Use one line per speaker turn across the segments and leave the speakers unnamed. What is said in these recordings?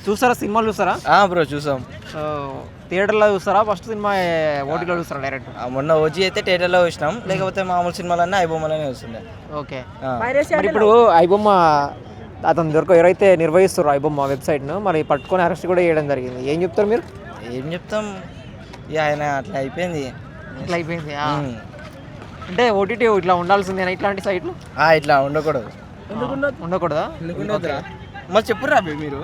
చూస్తారా సినిమాలు చూస్తారా?
బ్రో చూసాం.
థియేటర్లో చూస్తారా ఫస్ట్ సినిమా ఓటీలో చూస్తారా డైరెక్ట్?
మొన్న ఓజీ అయితే థియేటర్లో చూసినాం, లేకపోతే మామూలు సినిమాలన్నీ ఐబొమ్మలోనే వస్తుండే.
ఓకే. మరి ఇప్పుడు ఐబొమ్మ అతను ఎవరైతే నిర్వహిస్తారో ఐబొమ్మ వెబ్సైట్ను మరి పట్టుకొని అరెస్ట్ కూడా చేయడం జరిగింది. ఏం చెప్తారు మీరు?
ఏం చెప్తాం, ఇక ఆయన అట్లా అయిపోయింది.
ఇట్లా అయిపోయింది అంటే ఓటీటీ ఇట్లా ఉండాల్సిందేనా ఇట్లాంటి సైట్లు?
ఇట్లా ఉండకూడదు.
ఉండకూడదా?
మరి చెప్పురా మీరు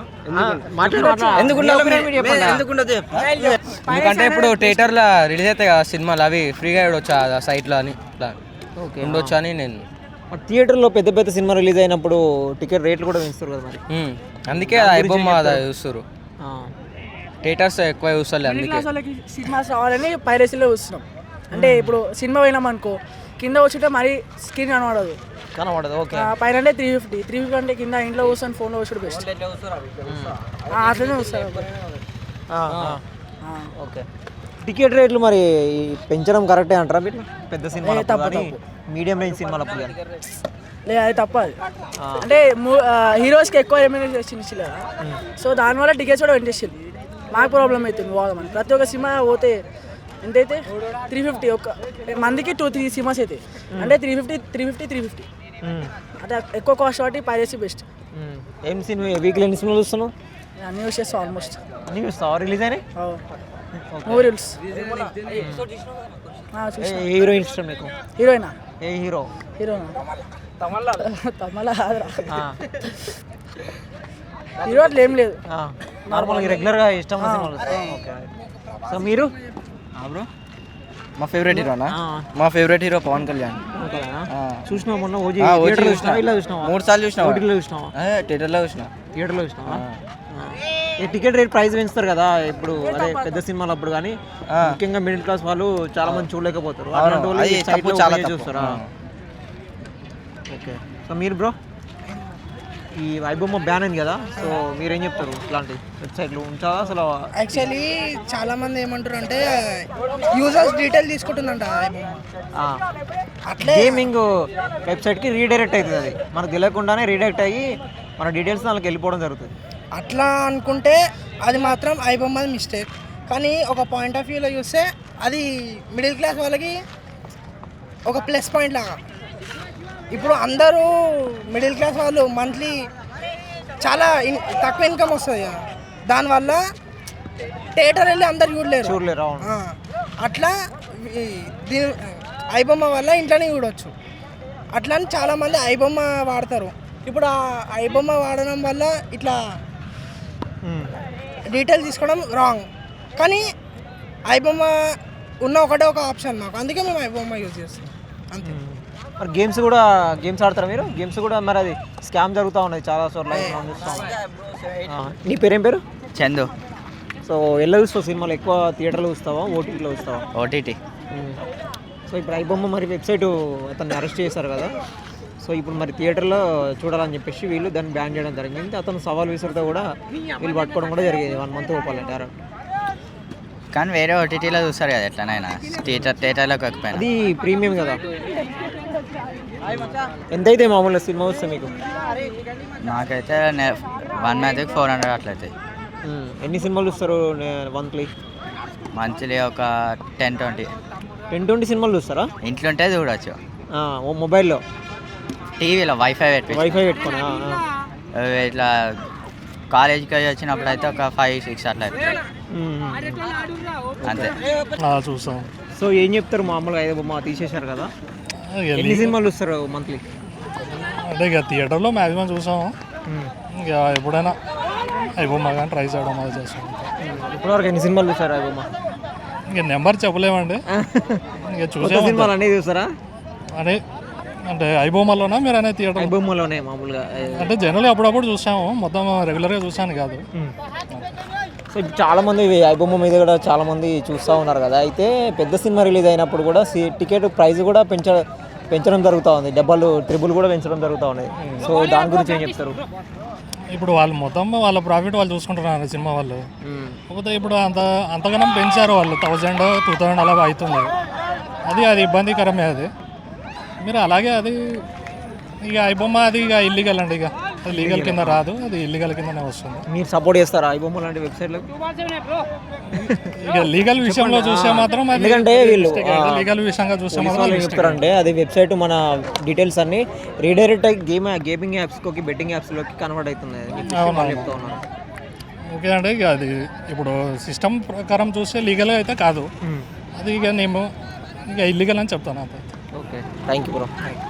ఎందుకంటే ఇప్పుడు థియేటర్లో రిలీజ్ అవుతాయి కదా సినిమాలు, అవి ఫ్రీగా ఇవ్వచ్చా సైట్లో అని ఇట్లా ఉండొచ్చు అని నేను.
థియేటర్లో పెద్ద పెద్ద సినిమా రిలీజ్ అయినప్పుడు టికెట్ రేట్లు కూడా పెంచుతారు కదా మరి.
అందుకే ఐబొమ్మ చూస్తారు, థియేటర్స్ ఎక్కువ చూస్తారు. అందుకే
సినిమాస్ రావాలని పైరసీలో చూస్తున్నాం. అంటే ఇప్పుడు సినిమా పోయినాం అనుకో, కింద వచ్చుంటే మరీ స్క్రీన్ కనబడదు.
ఓకే.
పైన అంటే 350 అంటే కింద ఇంట్లో కూర్చొని ఫోన్లో వచ్చుడు బెస్ట్. అట్లనే చూస్తారు.
ఓకే. టికెట్ రేట్లు మరి పెంచడం కరెక్టే అంటారా మీరు? పెద్ద సినిమా మీడియం రేంజ్ సినిమాలప్పుడు
లేదు, అది తప్ప. అంటే హీరోస్కి ఎక్కువ రెమ్యూనరేషన్ ఇచ్చి కదా, సో దానివల్ల టికెట్స్ కూడా పెంచేసింది. మాకు ప్రాబ్లం అవుతుంది పోదామని. ప్రతి ఒక్క సినిమా పోతే ఎంతైతే 350 ఒక మందికి 2-3 సినిమాస్ అయితే అంటే 350 అంటే ఎక్కువ కాస్ట్ కాబట్టి పైరసీ బెస్ట్.
ఏం సినిమా వీక్లీ ఎన్ని సినిమాలు చూస్తున్నావు?
అన్నీ యూస్ చేస్తాం ఆల్మోస్ట్.
అన్నీ చూస్తావా? రిలీజ్ అయినాయి
మూవీ రూల్స్.
హీరోయిన్ ఇష్టం మీకు?
హీరోయినా?
ఏ హీరో?
హీరోనా తమలా హీరో అట్లా ఏం లేదు,
నార్మల్గా రెగ్యులర్గా ఇష్టం సినిమాలు. ఓకే. సో మీరు
బ్రో? మా ఫేవరెట్ హీరోనా? మా ఫేవరెట్ హీరో పవన్ కళ్యాణ్.
చూసినావు మొన్న ఓజీ?
3 సార్లు చూసినా.
ఓటీటీలో చూసినావా?
థియేటర్లో చూసినా.
థియేటర్లో చూసినావా? ఈ టికెట్ రేట్ ప్రైస్ పెంచుతారు కదా ఇప్పుడు, అదే పెద్ద సినిమాలు అప్పుడు. కానీ ముఖ్యంగా మిడిల్ క్లాస్ వాళ్ళు చాలా మంది చూడలేకపోతారు, చాలా చూస్తారా? ఓకే. సో మీరు బ్రో ఈ ఐబొమ్మ బ్యాన్ అయింది కదా, సో మీరేం చెప్తారు? ఇట్లాంటి వెబ్సైట్లు ఉంచాలా అసలు?
యాక్చువల్లీ చాలా మంది ఏమంటారు అంటే యూజర్స్ డీటెయిల్ తీసుకుంటుందంట
అట్లా. గేమింగ్ వెబ్సైట్కి రీడైరెక్ట్ అవుతుంది, అది మనకు తెలియకుండానే రీడైరెక్ట్ అయ్యి మన డీటెయిల్స్ దానికి వెళ్ళిపోవడం జరుగుతుంది.
అట్లా అనుకుంటే అది మాత్రం ఐబొమ్మది మిస్టేక్. కానీ ఒక పాయింట్ ఆఫ్ వ్యూలో చూస్తే అది మిడిల్ క్లాస్ వాళ్ళకి ఒక ప్లస్ పాయింట్ లాగా. ఇప్పుడు అందరూ మిడిల్ క్లాస్ వాళ్ళు మంత్లీ చాలా తక్కువ ఇన్కమ్ వస్తుంది కదా, దానివల్ల థియేటర్ వెళ్ళి అందరు చూడలేరు. అట్లా దీని ఐబొమ్మ వల్ల ఇంట్లోనే చూడవచ్చు. అట్లా అని చాలామంది ఐబొమ్మ వాడతారు. ఇప్పుడు ఆ ఐబొమ్మ వాడడం వల్ల ఇట్లా డీటెయిల్ తీసుకోవడం రాంగ్. కానీ ఐబొమ్మ ఉన్న ఒకటే ఒక ఆప్షన్ మాకు, అందుకే మేము ఐబొమ్మ యూజ్ చేస్తాం అంతే.
మరి గేమ్స్ ఆడతారా మీరు? గేమ్స్ కూడా మరి అది స్కామ్ జరుగుతూ ఉన్నది చాలా చోట్ల. నీ పేరేం పేరు?
చందు.
సో ఎలా చూస్తావు సినిమాలు? ఎక్కువ థియేటర్లో చూస్తావా ఓటీటీలో చూస్తావా?
ఓటీటీ.
సో ఇప్పుడు ఐబొమ్మ మరి వెబ్సైట్ అతన్ని అరెస్ట్ చేశారు కదా, సో ఇప్పుడు మరి థియేటర్లో చూడాలని చెప్పేసి వీళ్ళు దాన్ని బ్యాన్ చేయడం జరిగింది. అతను సవాల్ విసురుతో కూడా వీళ్ళు పట్టుకోవడం కూడా జరిగింది 1 మంత్ ఓపాలంటే డైరెక్ట్.
కానీ వేరే ఓటీటీలో చూస్తారు కదా ఎట్లనైనా, థియేటర్లో కాకపోయినా.
అది ప్రీమియం కదా. ఎంతైతే మామూలుగా సినిమా వస్తే మీకు?
నాకైతే 1 మంత్కి 400 అట్లయితే.
ఎన్ని సినిమాలు చూస్తారు మంత్లీ?
మంత్లీ ఒక 10-20
సినిమాలు చూస్తారా?
ఇంట్లో ఉంటే చూడవచ్చు.
మొబైల్లో,
టీవీలో వైఫై
పెట్టుకొని
ఇట్లా కాలేజీకి వచ్చినప్పుడు అయితే ఒక 5-6 అట్లా అంతే
చూస్తాం.
సో ఏం చెప్తారు మామూలుగా? ఐబొమ్మ తీసేశారు కదా, ఎన్ని సినిమాలు చూస్తారు మంత్లీ?
అంటే ఇక థియేటర్లో మ్యాక్సిమం చూసాము. ఇక ఎప్పుడైనా ఐబొమ్మ కానీ ట్రై చేయడం అది చేస్తాం.
ఇప్పటివరకు ఎన్ని సినిమాలు చూస్తారు ఐబొమ్మ?
ఇక నెంబర్ చెప్పలేమండి. ఇక చూసే
సినిమాలు అన్నీ చూస్తారా?
అదే అంటే ఐబొమ్మలోనా మీరు అనేది థియేటర్?
ఐబొమ్మలోనే మామూలుగా.
అంటే జనరల్లీ అప్పుడప్పుడు చూసాము, మొత్తం రెగ్యులర్గా చూసాను కాదు.
సో చాలా మంది ఐబొమ్మ మీద కూడా చాలా మంది చూస్తూ ఉన్నారు కదా. అయితే పెద్ద సినిమా రిలీజ్ అయినప్పుడు కూడా టికెట్ ప్రైస్ కూడా పెంచడం జరుగుతూ ఉంది, డబ్బులు ట్రిబుల్ కూడా పెంచడం జరుగుతూ ఉన్నాయి. సో దాని గురించి ఏం చెప్తారు?
ఇప్పుడు వాళ్ళు మొత్తం వాళ్ళ ప్రాఫిట్ వాళ్ళు చూసుకుంటున్నారు సినిమా వాళ్ళు. కాకపోతే ఇప్పుడు అంతగానం పెంచారు వాళ్ళు, 1000-2000 అలా అవుతుంది. అది ఇబ్బందికరమే. అది మీరు అలాగే అది ఇక ఐబొమ్మ అది ఇక ఇల్లీగల్ అండి. ఇక అది లీగల్ కింద రాదు, అది ఇల్లీగల్ కిందనే వస్తుంది.
మీరు సపోర్ట్ చేస్తారా ఐబొమ్మ లాంటి వెబ్సైట్లకు?
ఇక లీగల్ విషయంలో చూస్తే మాత్రం
ఎందుకంటే వీళ్ళు
లీగల్ విషయంగా చూస్తే
పోలీసు
మాత్రం
వాళ్ళు ఏం చెప్తారంటే అది వెబ్సైట్ మన డీటెయిల్స్ అన్ని రీడైరెక్ట్ గేమింగ్ యాప్స్కి బెట్టింగ్ యాప్స్లోకి కన్వర్ట్ అవుతుంది అని చెప్పేసి వాళ్ళు చెప్తా ఉన్నారు.
ఓకే అంటే ఇక అది ఇప్పుడు సిస్టమ్ ప్రకారం చూస్తే లీగల్ అయితే కాదు, అది ఇక నేను ఇక ఇల్లీగల్ అని చెప్తాను అంతే.
Okay, thank you bro.